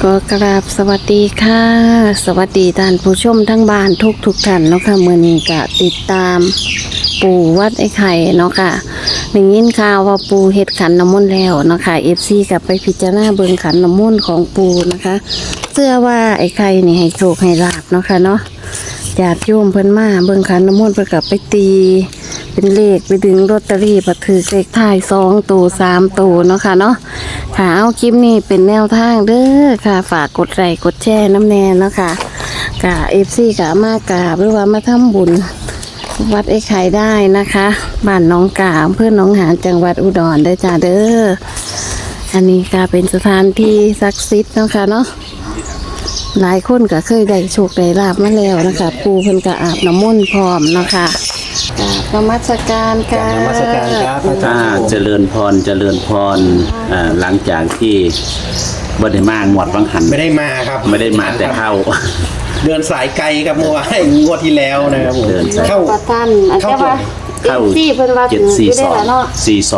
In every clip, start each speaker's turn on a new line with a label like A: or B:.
A: ก็กราบสวัสดีค่ะสวัสดีท่านผู้ชมทั้งบ้านทุกท่านเนาะค่ะมื้อนี้ก็ติดตามปู่วัดไอ้ไข่เนาะค่ะได้ยินข่าวว่าปู่เฮ็ดขันน้ำมนต์แล้วเนาะค่ะ FC ก็ไปพิจารณาเบิ่งขันน้ำมนต์ของปู่นะคะเชื่อว่าไอ้ไข่นี่ให้โชคให้ลาภเนาะค่ะเนาะญาติโยมเพิ่นมาเบิ่งขันน้ำมนต์เพิ่นก็ไปตีเป็นเลขไปดึงลอตเตอรี่บัดถือเลขท้าย2ตัว3ตัวเนาะค่ะเนาะค่ะเอาคลิปนี้เป็นแนวทางเด้อค่ะฝากกดไลค์กดแชร์น้ำแน่เนาะค่ะกะ FC กะมากราบหรือว่ามาทำบุญวัดไอ้ไข่ได้นะคะบ้านหนองกาอำเภอหนองหานจังหวัดอุดรเด้อจ้าเด้ออันนี้ก็เป็นสถานที่ศักดิ์สิทธิ์เนาะค่ะเนาะหลายคนก็เคยได้โชคได้ลาภมาแล้วนะคะปู่เพิ่นก็อาบน้ำมนต์พร้อมเนาะค่ะนมัสการค่ะ
B: นมัสการครับอาจารย์
C: เจริญพรหลังจากที่บ่ได้มางวดวังหัน
B: ไม่ได้มาครับ
C: ไม่ได้มาแต่เข้า
B: เดินสายไกลครับเมื่อวานงวดที่แล้วนะครับผม
C: เดินสาย
B: เข้า
A: ประท่านอาจจะว่า
C: เข้า
A: ที่เพิ่นว่าถืออยู่ได้แล้วเนาะ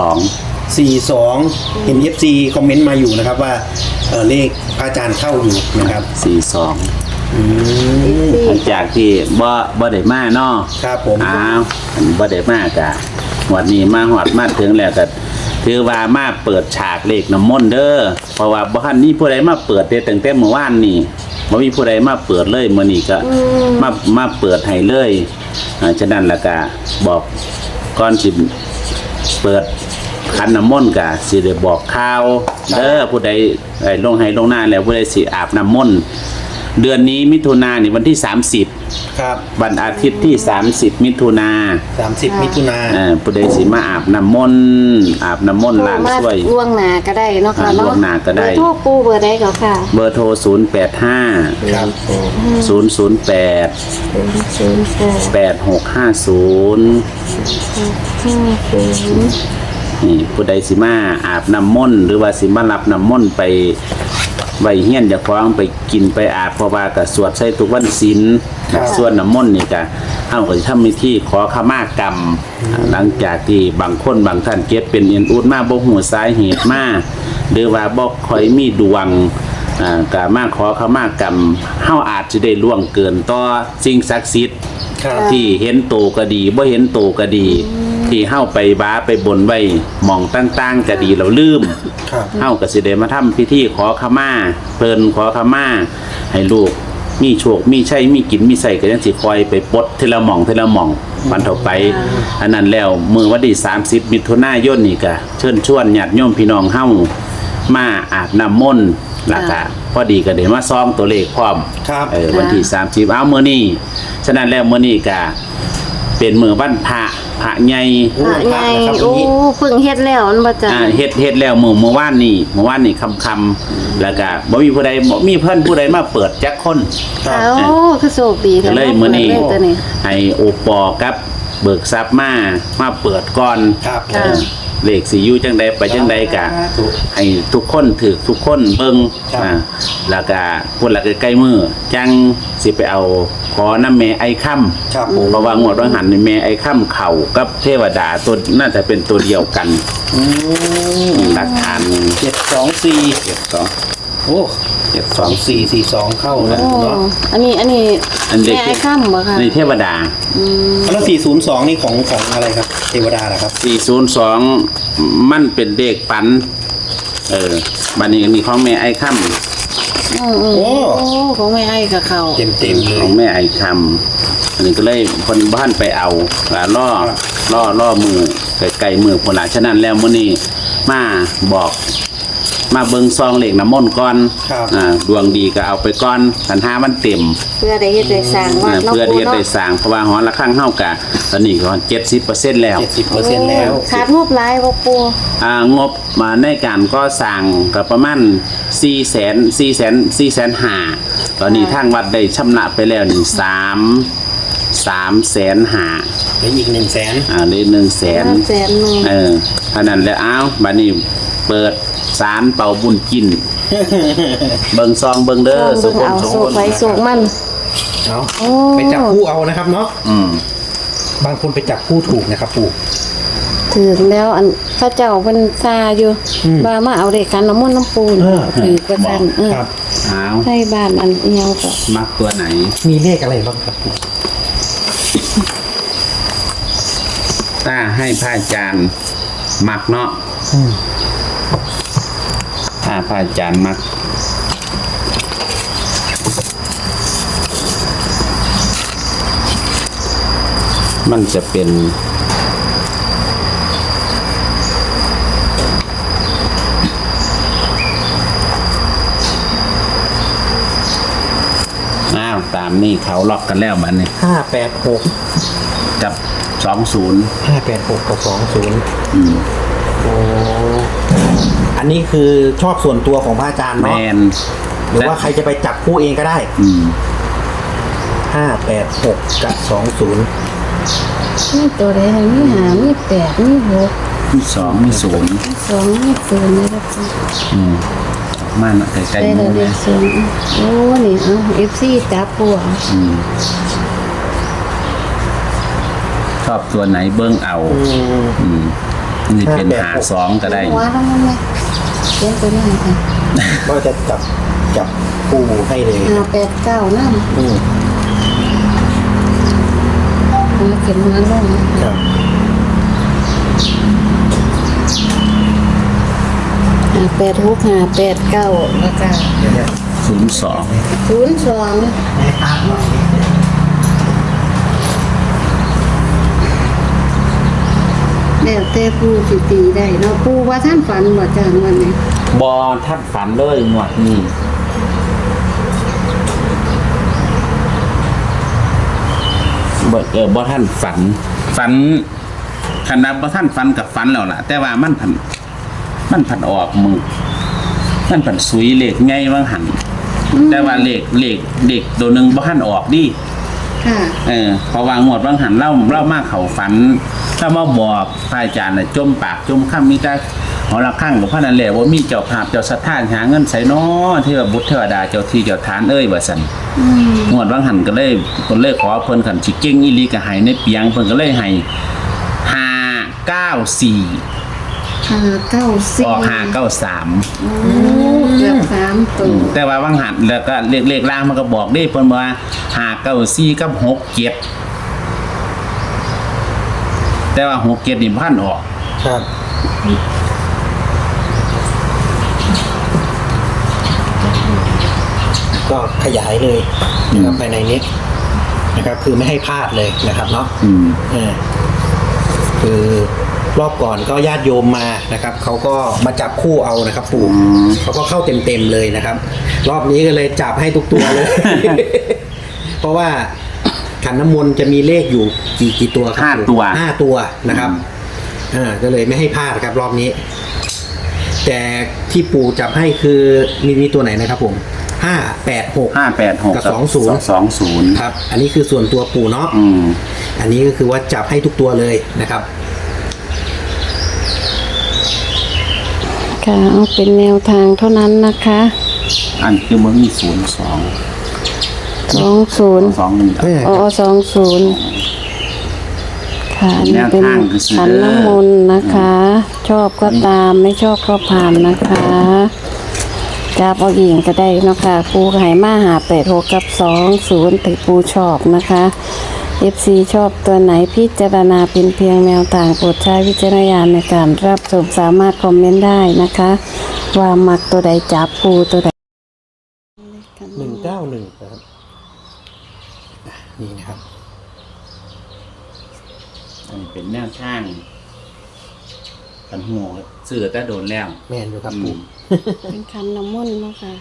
C: 42
B: เห็น FC คอมเมนต์มาอยู่นะครับว่าเลขพระอาจารย์เข้าอยู่นะครับ
C: 42หลังจากที่บ่ได้มาเนาะ
B: ครับผม
C: อ้าวบ่ได้มากะวันนี้มาฮอดมาถึงแล้วก็ถือว่ามาเปิดฉากเลขน้ำมนต์เด้อเพราะว่าบ่ทันมีผู้ใดมาเปิดแต่ตั้งแต่เมื่อวานนี่บ่มีผู้ใดมาเปิดเลยมื้อนี้ก็มาเปิดให้เลยฉะนั้นแล้วก็บอกก่อนสิเปิดขันน้ำมนต์ก็สิได้บอกข่าวเด้อผู้ใดลงให้ลงหน้าแล้วผู้ใดสิอาบน้ำมนต์เดือนนี้มิถุนายนนี่วันที่30
B: ครับ
C: วันอาทิตย์ที่30มิถุนา
B: 30 มิถุนา
C: ผู้ใดสิมาอาบน้ำมนต์ล้างช่วย
A: ล่วงหน้าก็ได้เนาะค่ะเนาะ
C: ล่วงหน้าก็ได้
A: เบอร์โทรปู่เบอร์ใดก็ค่ะ
C: เบอร์โทร085
B: ครับ
C: 008 8650นี่ผู้ใดสิมาอาบน้ำมนต์หรือว่าสิมารับน้ำมนต์ไปไว้เฮียนอย่าคว้างไปกินไปอาบเพราะว่าก็สวดใส่ทุกวันศีลส่วนน้ำมนต์นี่ก็เฮาก็สิทำพิธีขอขมากรรมหลังจากที่บางคนบางท่านเก็บเป็นเอ็นอุดมาบ่ฮู้สาเหตุมาหรือว่าบ่ค่อยมีดวงก็มาขอขมากรรมเฮาอาจจะได้ล่วงเกินต่อสิ่งศักดิ์สิทธิ์
B: ครับ
C: ที่เห็นโตก็ดีบ่เห็นโตก็ดี ที่เฮาไปบ้าไปบนไว้หม่องต่างๆก็ดีเราลืม
B: ครับ
C: เฮาก็สิได้มาทำพิธีขอขมาเพิ่นขอขมาให้ลูกมีโชคมีชัยมีกินมีใส่ก็ยังสิคอยไปปลดทีละหม่องวันต่อไปอันนั้นแล้วมื้อวันที่30มิถุนายนนี่ก็เชิญชวนญาติโยมพี่น้องเฮามาอาบน้ำมนต์แล้วก็พอดีก็ได้มาซ้อมตัวเลขพร้อม
B: ครับ
C: วันที่30เอามื้อนี้ฉะนั้นแล้วมื้อนี้ก็เป็นมื้อวันพระใหญ่
A: พระใหญ่โอ้เพิ่งเฮ็ดแล้วมันบ่จ้ะ
C: เฮ็ดแล้วเมื่อวานนี่ค่ำๆแล้วก็บ่มีผู้ใดบ่มีเพิ่นผู้ใดมาเปิดจักคน
B: ครับ
A: โอ้คือโชคดี
C: ก็เลยมื้อนี้
A: เลยตัวนี้
C: ให้โอปอกับเบิกทรัพย์มาเปิดก่อน
B: ครับ
A: ค่ะ
C: เลขสิอยู่จังใดไปจังใดก็ให้ทุกคนถือทุกคนเบิ่งแล้วก็พุ่นละใกล้ๆมือจังสิไปเอาขอน้ำแม่ไอ้ค่ำ
B: ครับผม
C: เพราะว่างวดว่าหันนี่แม่ไอ้ค่ำเข่ากับเทวดาตัวน่าจะเป็นตัวเดียวกันหลักฐาน
B: 724
C: 2
B: โอ้72442เข้าแล้ว
A: โอ้
B: เนาะ
A: อันนี้
C: อันเด็ก
A: แม่ไอ้ค่ำบ่ค่ะ
C: ในเทวดา
B: แล้ว402นี่ของอะไรครับเทวดาเหรอครับ
C: 402มันเป็นเด็กปันบัดนี้มีของแม่ไอ้ค่ำ
B: โอ้
A: โอ้ของแม่ไอ้กับเขา
B: เต็มๆเล
C: ขอย งแม่ไอ้ค่ำอันนี้ก็เลยคนบ้านไปเอาล่อมือไก่มือคนละฉะนั้นแล้วมื้อนี้มาบอกมาเบิ่งซองเหล็กน้ำมนต์ก่อนดวงดีก็เอาไปก่อนคันหามันเต็ม
A: เพื่อได้เฮ็ดได้สร้างว่า
C: เพื่อที่จะได้สร้างเพราะว่าหอละข้างเฮากะตอนนี้ก็70%แล้ว
B: 70%แล้ว
A: ขาดงบหลายบ่ปู่
C: งบมาในการก็สร้างก็ประมาณ400,000 ตอนนี้ทางวัดได้ชำระไปแล้วนี่300,000
B: แล้วอีก100,000
C: ได้100,000
A: 100,000
C: เท่านั้นแล้วบัดนี้เปิดศาลเป่าบุญกินเบิ่งซองเบิ่งเด้อสุข
A: เอา
C: สุข
A: โศกไฟโศกมัน
B: เอา
A: โอ้
B: ไปจับคู่เอานะครับเนาะบางคนไปจับคู่ถูกนะครับปู่
A: ถึงแล้วอันพระเจ้าเพิ่นซาอยู่ว่ามาเอาเด็กกันน้ำมนต์น้ำปูนถือกระสัน
B: ครับ
C: เอา
A: ใช่บ้านอันเอียวก็
C: มักตัวไหน
B: มีเลขอะไรบ้างครับปู่
C: ถ้าให้พระอาจารย์มักเนาะถ้าพระอาจารย์มักมันจะเป็นอ้าวตามนี่เขาล็อกกันแล้วมันนี่
B: 586
C: กับ20
B: 586กับ20โอ้อันนี้คือชอบส่วนตัวของพระอาจารย์
C: แม
B: เนาะ
C: น
B: หรือว่าใครจะไปจับคู่เองก็ได้ 586กับ20
A: มีตัวใดให้มีหามีแปดมีหก
C: มี2มี0
A: มีสองมีศูนย์นะครับ
C: มาใกล้
A: ได้
C: ๆ
A: เล
C: มื
A: ย
C: อ
A: เด็
C: นะ
A: กศูนย์โอ้นี่เอาเอฟซีจับปัว
C: ชอบตัวไหนเบิ้งเอานี่เป็นหา2ก็ได้
A: หัวต้องมันเลยเขียนตัวนี้ค่ะ
B: ก็จะจับคู่ให้เลย
A: 589นั่น
B: อืม
A: เขียนมันลง
B: ครับ
A: 586 589แล้วก็
B: เดี๋ยวเนี่ย
C: 02
A: 02แล้วแต่ผู้สิตีได้เนาะผู้ว่าท่านฝันว่าจังวันนี้
C: บอทัดฝันเลยหมวดนี่บอท่านฝันขนาดบอท่านฝันกับฝันแล้วล่ะ แต่ว่ามันผันออกมือมันผันสุยเหล็กไงว่างหันแต่ว่าเหล็กตัวหนึ่งบอท่านออกดิ
A: ค่ะ
C: พอวางหมดว่างหันเล่ามากเขาฝันถ้ามาบอกพระอาจารย์น่ะจมปากจมข้ามมีแต่หอระฆังกับพระนันแหละว่ามีเจ้าภาพเจ้าสถานหาเงินใส่น้อเทวบุตรเทวดาเจ้าที่เจ้าฐานว่าซั่นหมดว่างหันก็เลยขอเพิ่นขันสิเก่งอีหลีก็ให้ในเปียงเพิ่นก็เลยให้594
A: 594
C: ออก593
A: โอ้เกือบ3ตัว
C: แต่ว่าว่างหันแล้วก็เลขล่างมันก็บอกได้เพิ่นว่า594กับ67แต่ว่า67นี่พันออก
B: ครับก็ขยายเลยนะครับภายในนี้นะครับ คือไม่ให้พลาดเลยนะครับเนาะคือรอบก่อนก็ญาติโยมมานะครับเขาก็มาจับคู่เอานะครับปู่เขาก็เข้าเต็มๆเลยนะครับ รอบนี้ก็เลยจับให้ทุกตัวเลย เพราะว่าขันน้ำมนต์จะมีเลขอยู่กี่ตัวครับปู่
C: 5 ตัว
B: 5 ตัวนะครับก็เลยไม่ให้พลาดครับรอบนี้ แต่ที่ปู่จับให้คือมีตัวไหนนะครับผม586
C: 586
B: กับ
C: 20
B: ครับ อันนี้คือส่วนตัวปู่เนาะอันนี้ก็คือว่าจับให้ทุกตัวเลยนะครับ
A: ค่ะเอาเป็นแนวทางเท่านั้นนะคะ
C: อันคือมันมี02
A: 20 อ๋อ20ค่ะนี่เป็นขันน้ำมนต์นะคะ ชอบก็ตามไม่ชอบก็ผ่านนะคะจับเอาเองก็ได้เนาะค่ะปูไห่มา586กับ20ถึงปูชอบนะคะ FC ชอบตัวไหนพิจารณาเป็นเพียงแนวทางโปรดใช้วิจารณญาณในการรับชมสามารถคอมเมนต์ได้นะคะ ว่ามักตัวใดจับปูตัวใด
B: 191นะครับนี่นะครับ
C: อันนี้เป็นแนวทางกันหัวเสือแต่โดนแล้ว
B: แม่นอยู่ครับปู่
A: เป็นขันน้ำมนต์เนาะค่ะ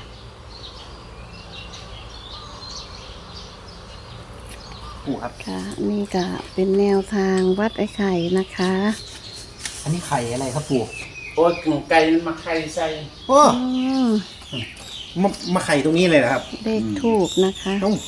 B: ปู่ครับ
A: ค่ะนี่ก็เป็นแนวทางวัดไอ้ไข่นะคะ
B: อันนี้ไข่อะไรครับปู่
C: โอ้ยไก่มันมาไข่ใส่
B: โอ้
A: อืม
B: มาไข่ตรงนี้เลยนะครับ
A: เลขทูบนะคะ
B: ต้อง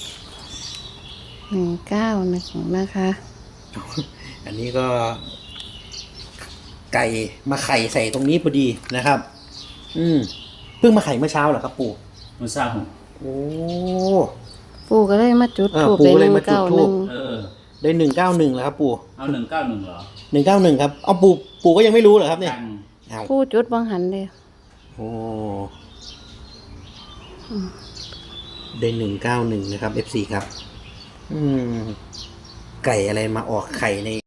A: 191นะคะ
B: อันนี้ก็ ไก่มาไข่ใส่ตรงนี้พอดีนะครับ เพิ่งมาไข่เมื่อเช้าเหรอครับปู่
C: มันเศร้า
B: โอ้
A: ปู่ก็เลยมาจุดทูบ
B: ปู่
A: เป็น
B: ก็เลยมาจุดธูป
A: 191
B: ได้191แล้วครับปู่
C: เอา191เหรอ
B: 191ครับเอาปู่ก็ยังไม่รู้เหรอครับเนี่ย
C: กัน
B: เอา
A: ปู่จุดบังหันเลย
B: โอ้ได้191นะครับ FC ครับ ไก่อะไรมาออกไข่ใน